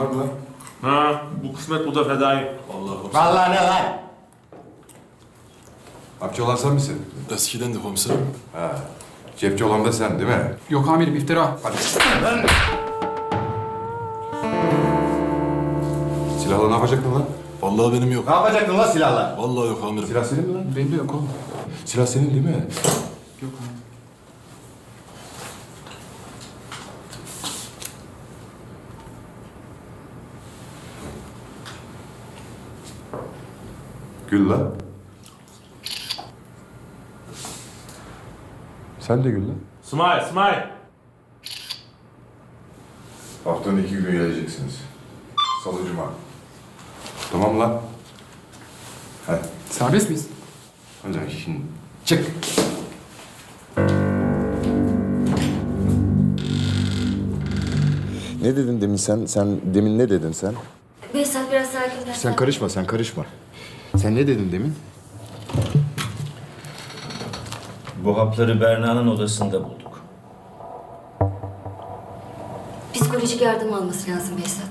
var mı lan? Ha, bu kısmet bu da fedai. Vallahi. Vallahi ne lan? Hapçı olan sen misin? Eskiden de komiserim. Ha. Cepçi olan da sen değil mi? Yok amirim, iftira. Hadi. Lan! Silahla ne yapacaktın lan? Vallahi benim yok. Ne yapacaktın lan silahla? Vallahi yok amirim. Silah senin mi lan? Benim de yok oğlum. Silah senin değil mi? Yok amirim. Gül lan. Sen de gül lan. Smile, smile. Haftanın 2 günü geleceksiniz. Salı, cuma. Tamam lan. Hadi. Serbest miyiz? Hadi şimdi. Çık. Ne dedin demin sen? Sen demin ne dedin sen? Behzat biraz sakinleş. Sen karışma, sen karışma. Sen ne dedin demin? Bu hapları Berna'nın odasında bulduk. Psikolojik yardım alması lazım Behzat.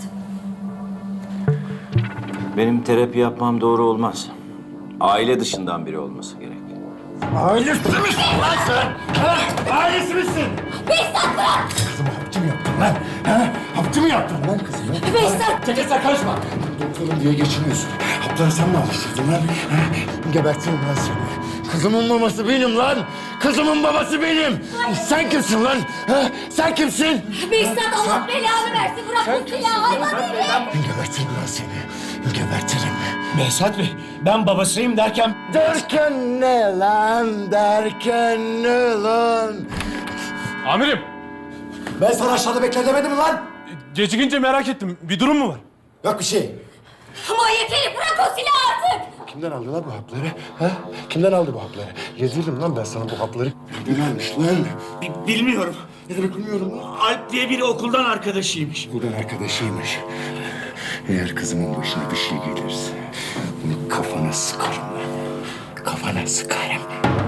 Benim terapi yapmam doğru olmaz. Aile dışından biri olması gerek. Ailesi misin lan sen? Ha? Ailesi misin? Behzat bırak! Kızımı hapçı mı yaptın lan? Ha? Hapçı mı yaptın lan kızımı? Behzat! Çekil sen karışma. Doktorum diye geçiniyorsun. Hapları sen mi alıştırdın lan? Ha? Gebertirim lan seni. Kızımın babası benim lan. Kızımın babası benim. Sen kimsin lan? Ha? Sen kimsin? Behzat Allah belanı versin. Bırak bu silahı hayvan herif! Gebertirim lan seni. Gebertirim. Behzat Bey, ben babasıyım derken... Derken ne lan? Derken ne lan? Amirim, Ben sana aşağıda bekle demedim mi lan? gecikince merak ettim. Bir durum mu var? Yok bir şey. Manyak herif bırak o silahı artık! Kimden aldı lan bu hapları? Ha? Kimden aldı bu hapları? Yedirdim lan ben sana bu hapları. Kimden almış lan? Bilmiyorum. Ne demek bilmiyorum lan. Alp diye biri okuldan arkadaşıymış. Buradan arkadaşıymış. Eğer kızımın başına bir şey gelirse bunu kafana sıkarım lan. Kafana sıkarım.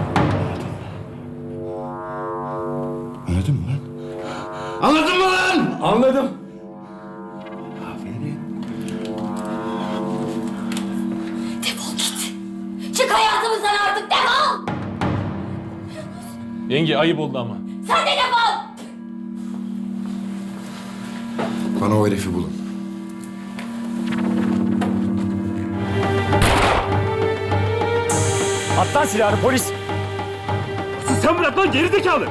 Anladın mı lan? Anladın mı lan? Anladım. Aferin. Defol git! Çık hayatımızdan artık defol! Yenge ayıp oldu ama. Sen de defol! Bana o herifi bulun. At lan silahını polis. Sen bırak lan gerizekalı.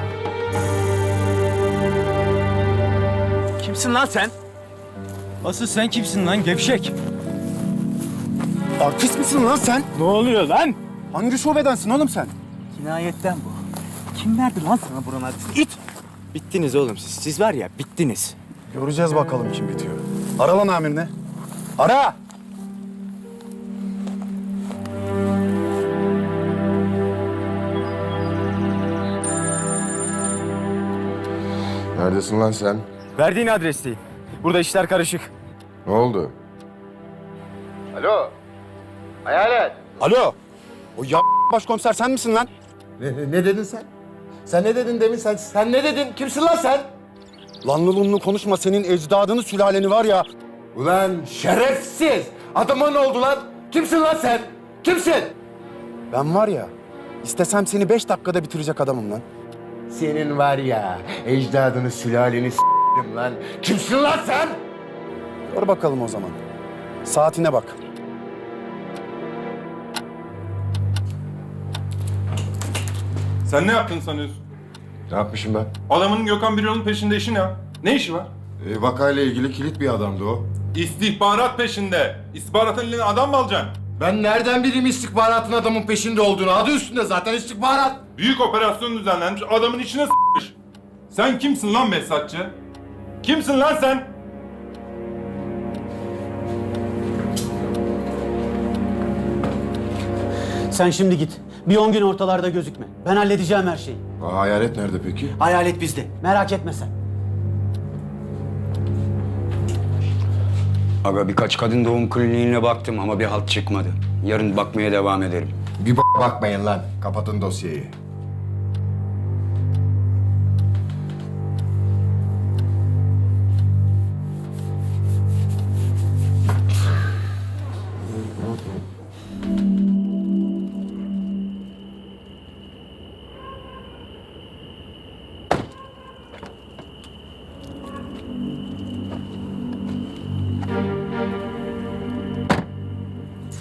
Kimsin lan sen? Asıl sen kimsin lan gevşek? Artist misin lan sen? Ne oluyor lan? Hangi şubedensin oğlum sen? Cinayetten bu. Kim verdi lan sana buranın adresini? İt! Bittiniz oğlum siz. Siz var ya bittiniz. Göreceğiz bakalım kim bitiyor. Ara lan amirine. Ara! Neredesin lan sen? Verdiğin adresteyim. Burada işler karışık. Ne oldu? Alo. Hayalet. Alo. O başkomiser sen misin lan? Ne dedin sen? Sen ne dedin demin? Sen ne dedin? Kimsin lan sen? Lanlı lunlu konuşma, senin ecdadını sülaleni var ya. Ulan şerefsiz! Adama ne oldu lan? Kimsin lan sen? Kimsin? Ben var ya, istesem seni 5 dakikada bitirecek adamım lan. Senin var ya, ecdadını sülaleni s**tim lan. Kimsin lan sen? Dur bakalım o zaman. Saatine bak. Sen ne yaptın sanıyorsun? Ne yapmışım ben? Adamın Gökhan Birol'un peşinde işi ne ya? Ne işi var? Vakayla ilgili kilit bir adamdı o. İstihbarat peşinde. İstihbaratın eline adam mı alacaksın? Ben nereden bileyim istihbaratın adamın peşinde olduğunu? Adı üstünde zaten istihbarat. Büyük operasyon düzenlenmiş, adamın içine s**mış. Sen kimsin lan Behzatçı? Kimsin lan sen? Sen şimdi git. Bir 10 gün ortalarda gözükme. Ben halledeceğim her şeyi. Hayalet nerede peki? Hayalet bizde. Merak etme sen. Aga birkaç kadın doğum kliniğine baktım ama bir halt çıkmadı. Yarın bakmaya devam ederim. Bir bakmayın lan. Kapatın dosyayı.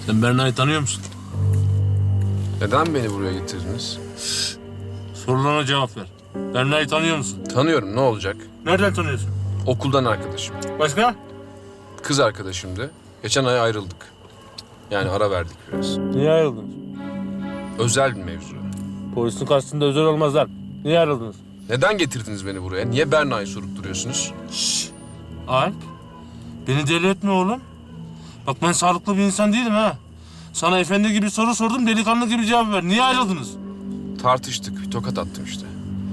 Sen Berna'yı tanıyor musun? Neden beni buraya getirdiniz? Sorularına cevap ver. Berna'yı tanıyor musun? Tanıyorum, ne olacak? Nereden tanıyorsun? Okuldan arkadaşım. Başka? Kız arkadaşımdı. Geçen ay ayrıldık. Yani ara verdik biraz. Niye ayrıldınız? Özel bir mevzu. Polisin karşısında özel olmazlar. Niye ayrıldınız? Neden getirdiniz beni buraya? Niye Berna'yı sorup duruyorsunuz? Alp, beni deli etme oğlum. Bak ben sağlıklı bir insan değilim ha. Sana efendi gibi soru sordum, delikanlı gibi cevap ver. Niye ayrıldınız? Tartıştık, bir tokat attım işte.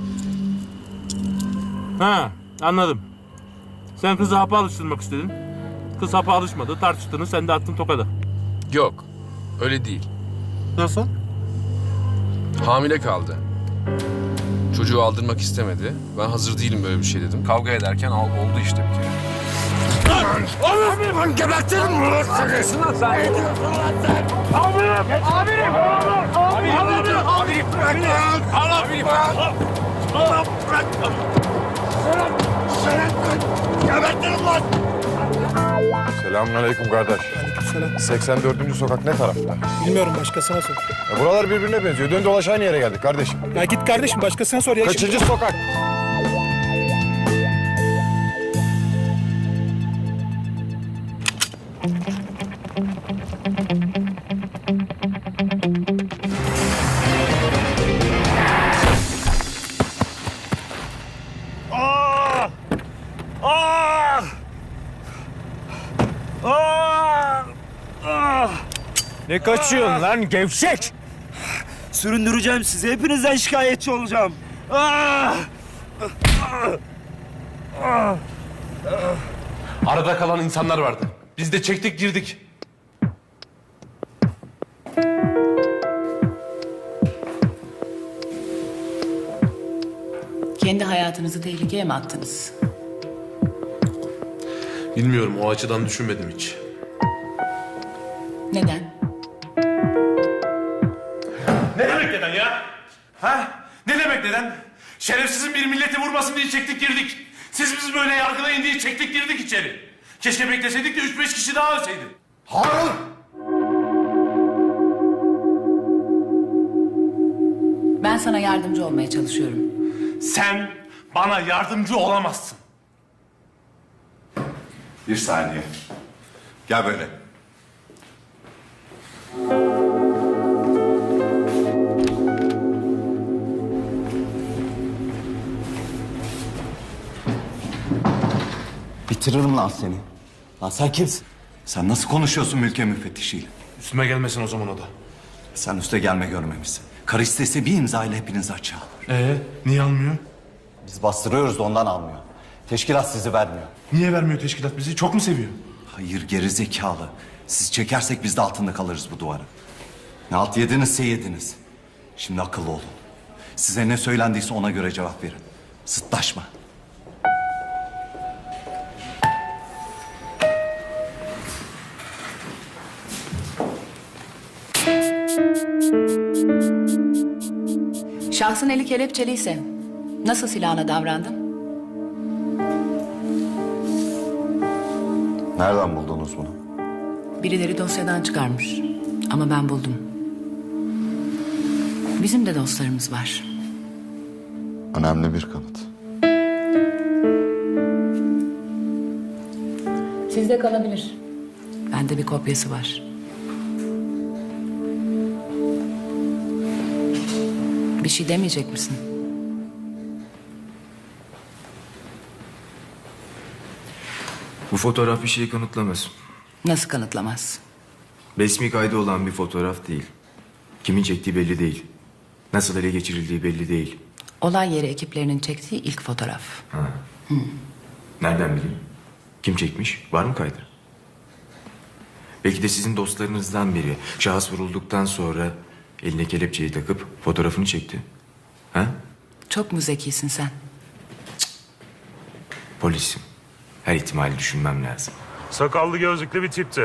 Ha, anladım. Sen kızı hapa alıştırmak istedin. Kız hapa alışmadı, tartıştınız, sen de attın tokadı. Yok, öyle değil. Nasıl? Hamile kaldı. Çocuğu aldırmak istemedi. Ben hazır değilim böyle bir şey dedim. Kavga ederken oldu işte bir kere. Ben gebertirim ulan seni. Ne diyorsun lan sen? Amirim bırak lan. Amirim bırak. Seni gebertirim lan. Selamünaleyküm kardeş. Aleykümselam. 84. sokak ne tarafta? Bilmiyorum, başkasına sor. Buralar birbirine benziyor. Dön dolaş aynı yere geldik kardeşim. Ya git kardeşim, başkasına sor ya. Kaçıncı sokak? Ne kaçıyorsun lan gevşek? Süründüreceğim sizi. Hepinizden şikayetçi olacağım. Arada kalan insanlar vardı. Biz de çektik girdik. Kendi hayatınızı tehlikeye mi attınız? Bilmiyorum, o açıdan düşünmedim hiç. Neden? Ne demek neden ya? Ha? Ne demek neden? Şerefsizin bir milleti vurmasın diye çektik girdik. Siz bizi böyle yargılayın diye çektik girdik içeri. Keşke bekleseydik de 3-5 kişi daha ölseydi. Harun! Ben sana yardımcı olmaya çalışıyorum. Sen bana yardımcı olamazsın. Bir saniye. Gel böyle. Bitiririm lan seni. Lan sen kimsin? Sen nasıl konuşuyorsun mülkiye müfettişiyle? Üstüme gelmesin o zaman o da. Sen üste gelme görmemişsin. Karı istese bir imza ile hepinizi açığa alır. Niye almıyor? Biz bastırıyoruz da ondan almıyor. Teşkilat sizi vermiyor. Niye vermiyor teşkilat bizi? Çok mu seviyor? Hayır geri zekalı. Siz çekersek biz de altında kalırız bu duvarın. Ne alt yedinizse yediniz. Şimdi akıllı olun. Size ne söylendiyse ona göre cevap verin. Sıtlaşma. Şahsın eli kelepçeliyse nasıl silahına davrandın? Nereden buldunuz bunu? Birileri dosyadan çıkarmış. Ama ben buldum. Bizim de dostlarımız var. Önemli bir kanıt. Sizde kalabilir. Bende bir kopyası var. Bir şey demeyecek misin? Bu fotoğraf bir şeyi kanıtlamaz. Nasıl kanıtlamaz? Resmi kaydı olan bir fotoğraf değil. Kimin çektiği belli değil. Nasıl ele geçirildiği belli değil. Olay yeri ekiplerinin çektiği ilk fotoğraf. Nereden bileyim? Kim çekmiş? Var mı kaydı? Belki de sizin dostlarınızdan biri şahıs vurulduktan sonra eline kelepçeyi takıp fotoğrafını çekti. Ha? Çok mu zekisin sen? Polisim. Her ihtimali düşünmem lazım. Sakallı gözlüklü bir tipti.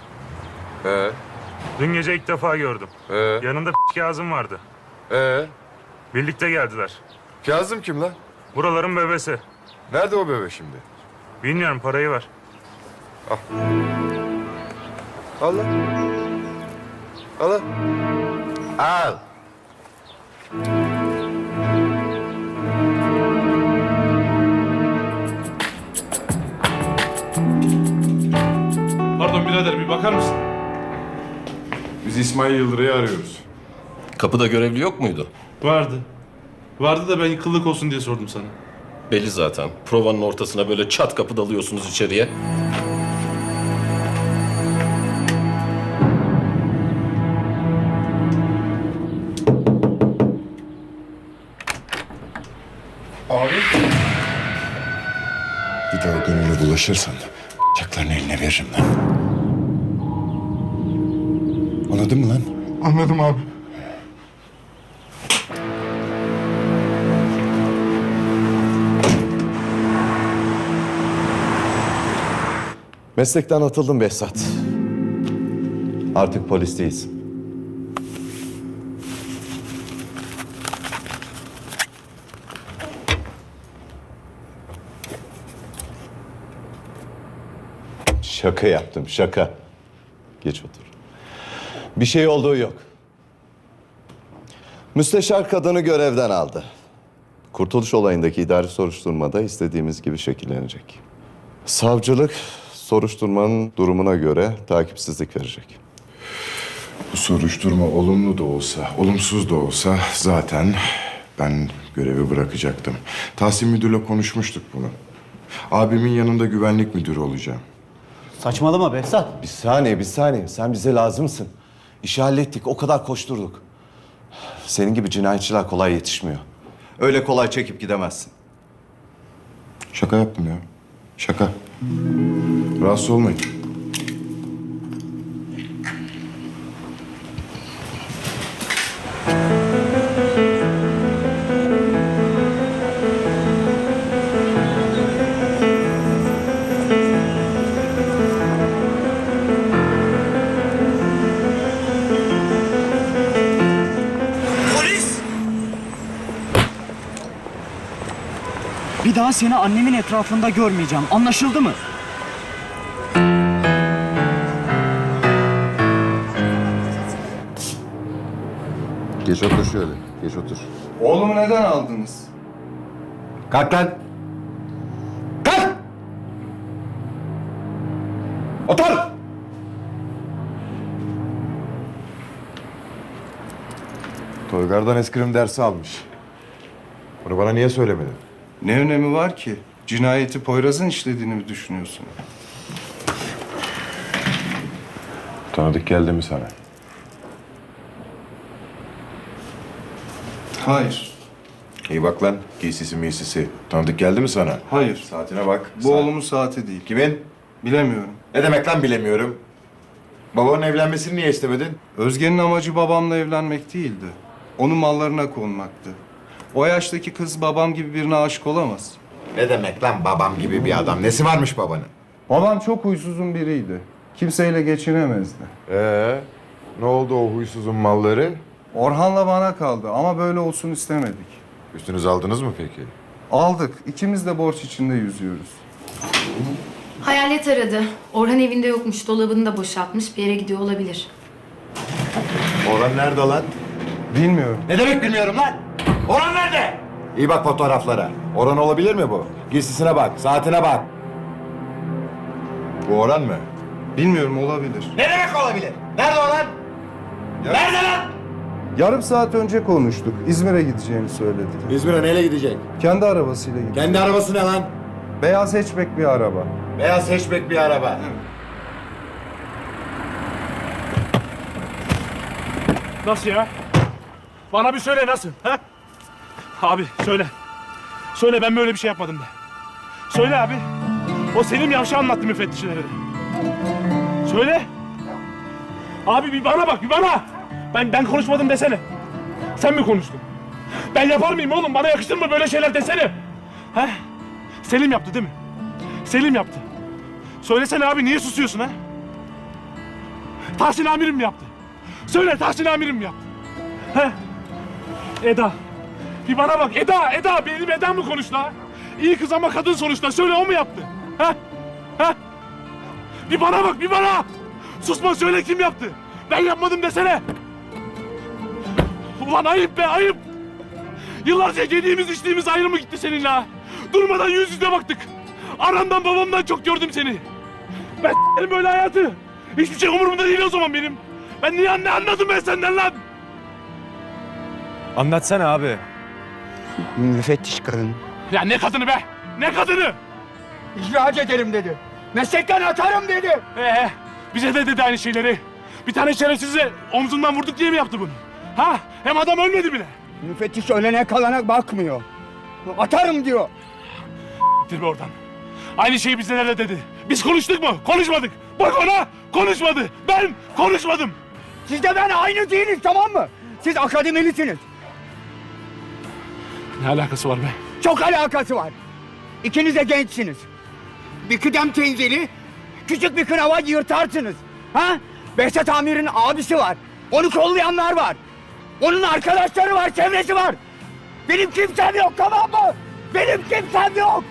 Dün gece ilk defa gördüm. Yanında Kazım vardı. Birlikte geldiler. Kazım kim lan? Buraların bebesi. Nerede o bebe şimdi? Bilmiyorum, parayı ver. Allah. Al. Al. Pardon birader bir bakar mısın? Biz İsmail Yıldırı'yı arıyoruz. Kapıda görevli yok muydu? Vardı. Vardı da ben yıkıllık olsun diye sordum sana. Belli zaten. Provanın ortasına böyle çat kapı dalıyorsunuz içeriye. Bir daha Gönül'e bulaşırsan bıçaklarını eline veririm lan. Anladın mı lan? Anladım abi. Meslekten atıldım Behzat. Artık polis değilsin. Şaka yaptım, şaka. Geç otur. Bir şey olduğu yok. Müsteşar kadını görevden aldı. Kurtuluş olayındaki idari soruşturmada istediğimiz gibi şekillenecek. Savcılık soruşturmanın durumuna göre takipsizlik verecek. Bu soruşturma olumlu da olsa, olumsuz da olsa zaten ben görevi bırakacaktım. Tahsin Müdür'le konuşmuştuk bunu. Abimin yanında güvenlik müdürü olacağım. Saçmalama Behzat. Bir saniye. Sen bize lazımsın. İşi hallettik, o kadar koşturduk. Senin gibi cinayetçiler kolay yetişmiyor. Öyle kolay çekip gidemezsin. Şaka yaptım ya. Şaka. Rahatsız olmayın. Bir daha seni annemin etrafında görmeyeceğim. Anlaşıldı mı? Geç otur şöyle. Geç otur. Oğlumu neden aldınız? Kalk lan. Kalk! Otur! Toygar'dan eskrim dersi almış. Bunu bana niye söylemedin? Ne önemi var ki? Cinayeti Poyraz'ın işlediğini mi düşünüyorsun? Tanıdık geldi mi sana? Hayır. İyi bak lan. Giysisi miysisi. Tanıdık geldi mi sana? Hayır. Saatine bak. Bu oğlumun saati değil. Kimin? Bilemiyorum. Ne demek lan bilemiyorum. Babanın evlenmesini niye istemedin? Özge'nin amacı babamla evlenmek değildi. Onun mallarına konmaktı. O yaştaki kız babam gibi birine aşık olamaz. Ne demek lan babam gibi bir adam? Nesi varmış babanın? Babam çok huysuzun biriydi. Kimseyle geçinemezdi. Ne oldu o huysuzun malları? Orhan'la bana kaldı ama böyle olsun istemedik. Üstünüze aldınız mı peki? Aldık. İkimiz de borç içinde yüzüyoruz. Hayalet aradı. Orhan evinde yokmuş. Dolabını da boşaltmış. Bir yere gidiyor olabilir. Orhan nerede lan? Bilmiyorum. Ne demek bilmiyorum lan? Orhan nerede? İyi bak fotoğraflara. Orhan olabilir mi bu? Giysisine bak, saatine bak. Bu Orhan mı? Bilmiyorum, olabilir. Ne demek olabilir? Nerede Orhan? Nerede lan? Yarım saat önce konuştuk. İzmir'e gideceğini söyledi. İzmir'e neyle gidecek? Kendi arabasıyla gidiyor. Kendi arabası ne lan? Beyaz hatchback bir araba. Beyaz hatchback bir araba. Nasıl ya? Bana bir söyle nasıl? Ha? Abi söyle. Söyle ben böyle bir şey yapmadım de. Söyle abi. O Selim Yavşa anlattı müfettişlere de. Söyle. Abi bir bana bak bir bana. Ben konuşmadım desene. Sen mi konuştun? Ben yapar mıyım oğlum? Bana yakıştır mı böyle şeyler desene? Ha? Selim yaptı değil mi? Selim yaptı. Söylesene abi niye susuyorsun ha? Tahsin amirim mi yaptı? Söyle Tahsin amirim mi yaptı? Ha? Eda. Bir bana bak Eda benim Eda mı konuştu ha? İyi kız ama kadın sonuçta. Söyle o mu yaptı? Ha? Ha? Bir bana bak bir bana. Susma söyle kim yaptı? Ben yapmadım desene. Ulan ayıp be ayıp. Yıllarca yediğimiz içtiğimiz ayrı mı gitti seninle ha? Durmadan yüz yüze baktık. Anamdan babamdan çok gördüm seni. Ben s**erim böyle hayatı. Hiçbir şey umurumda değil o zaman benim. Ben ne anladım ben senden lan? Anlatsana abi. Müfettiş kadın. Ya ne kadını be? Ne kadını? İhraç ederim dedi. Meslekten atarım dedi. Bize de dedi aynı şeyleri. Bir tane şerefsizi omzundan vurduk diye mi yaptı bunu? Ha? Hem adam ölmedi bile. Müfettiş ölene kalana bakmıyor. Atarım diyor. Gittir be oradan. Aynı şeyi bize de dedi. Biz konuştuk mu? Konuşmadık. Bak ona konuşmadı. Ben konuşmadım. Siz de ben aynı değiliz, tamam mı? Siz akademilisiniz. Ne alakası var be? Çok alakası var. İkiniz de gençsiniz. Bir kıdem tenzili, küçük bir kınava yırtarsınız. Ha? Behzat Amir'in abisi var. Onu kollayanlar var. Onun arkadaşları var, çevresi var. Benim kimsem yok, tamam mı? Benim kimsem yok.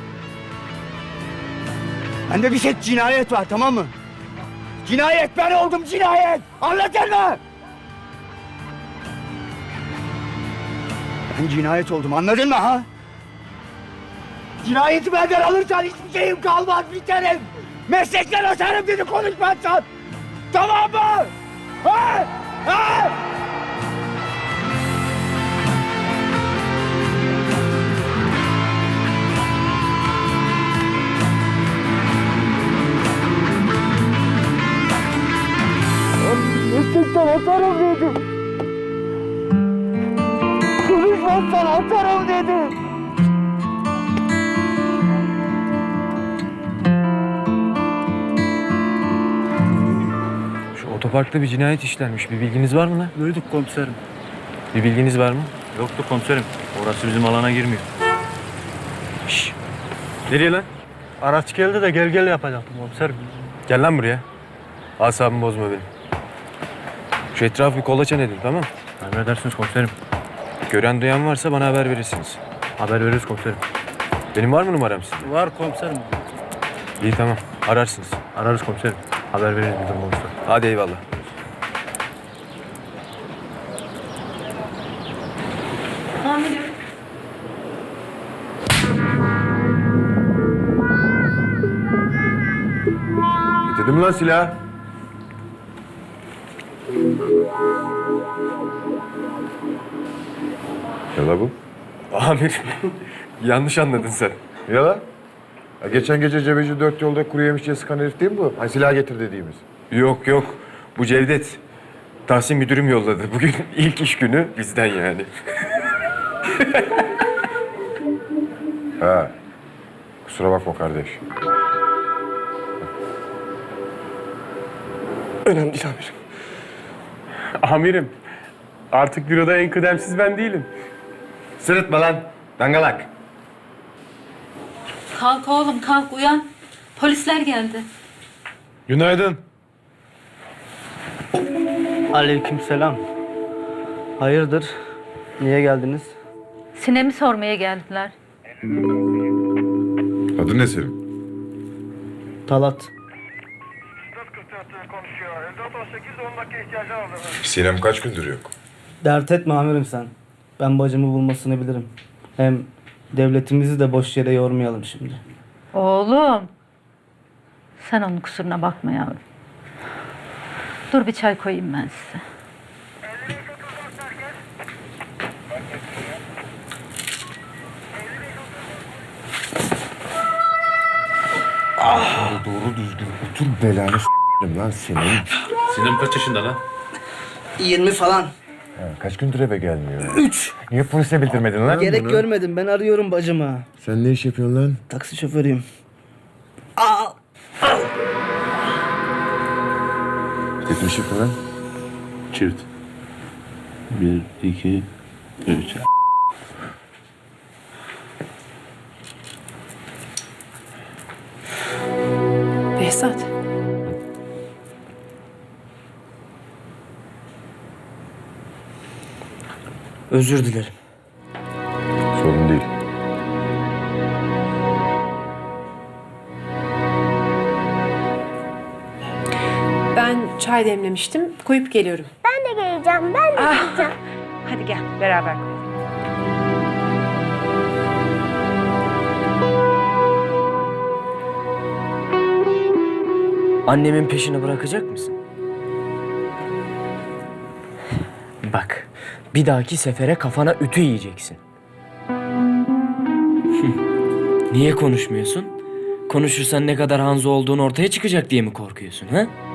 Bende bir şey cinayet var, tamam mı? Cinayet, ben oldum cinayet. Anladın mı? Ben cinayet oldum, anladın mı ha? Cinayeti benden alırsan hiçbir şeyim kalmaz, biterim. Meslekten atarım dedi konuşmazsan. Tamam mı? Ha? Ha? Meslekten atarım dedim. Konuşmazsan atarım dedim. Şu otoparkta bir cinayet işlenmiş. Bir bilginiz var mı lan? Duyduk komiserim. Bir bilginiz var mı? Yoktu komiserim. Orası bizim alana girmiyor. Şşş. Nereye lan? Araç geldi de gel yapacaktım komiserim. Gel lan buraya. Asabımı bozma benim. Şu etrafı bir kolaçan edin, tamam mı? Emredersiniz komiserim. Gören duyan varsa bana haber verirsiniz. Haber veririz komiserim. Benim var mı numaram sizde? Var komiserim. İyi, tamam. Ararsınız. Ararız komiserim. Haber veririz bir durum olursa. Hadi eyvallah. Amirim. Getirdim lan silah. Ya la bu? Amir, yanlış anladın sen. Ya la? Ya geçen gece Cebeci 4 yolda kuru yemişçiye sıkan herif değil mi bu? Hani silah getir dediğimiz. Yok yok, bu Cevdet. Tahsin müdürüm yolladı. Bugün ilk iş günü bizden yani. Ha. Kusura bakma kardeş. Önemli değil amirim. Amirim, artık büroda en kıdemsiz ben değilim. Sırıtma lan, dangalak. Kalk oğlum kalk uyan. Polisler geldi. Günaydın. Aleykümselam. Hayırdır? Niye geldiniz? Sinem'i sormaya geldiler. Adın ne senin? Talat. Sinem kaç gündür yok? Dert etme amirim sen. Ben bacımı bulmasını bilirim. Hem devletimizi de boş yere yormayalım şimdi. Oğlum. Sen onun kusuruna bakma yavrum. Dur bir çay koyayım ben size. Doğru düzgün otur belanı s**erim lan senin. Sinem kaç yaşında lan? 20 falan. Kaç gündür eve gelmiyor? 3. Niye polise bildirmedin lan Gerek bunu? görmedim. Ben arıyorum bacımı. Sen ne iş yapıyorsun lan? Taksi şoförüyüm. Teknik şif mi lan? Çift. 1, 2, 3. Behzat. Özür dilerim. Sorun değil. Ben Ben çay demlemiştim. Koyup geliyorum. Ben de geleceğim, ben de geleceğim. Hadi gel beraber koyalım. Annemin peşini bırakacak mısın? Bak, bir dahaki sefere kafana ütü yiyeceksin. Niye konuşmuyorsun? Konuşursan ne kadar Hanzo olduğun ortaya çıkacak diye mi korkuyorsun ha?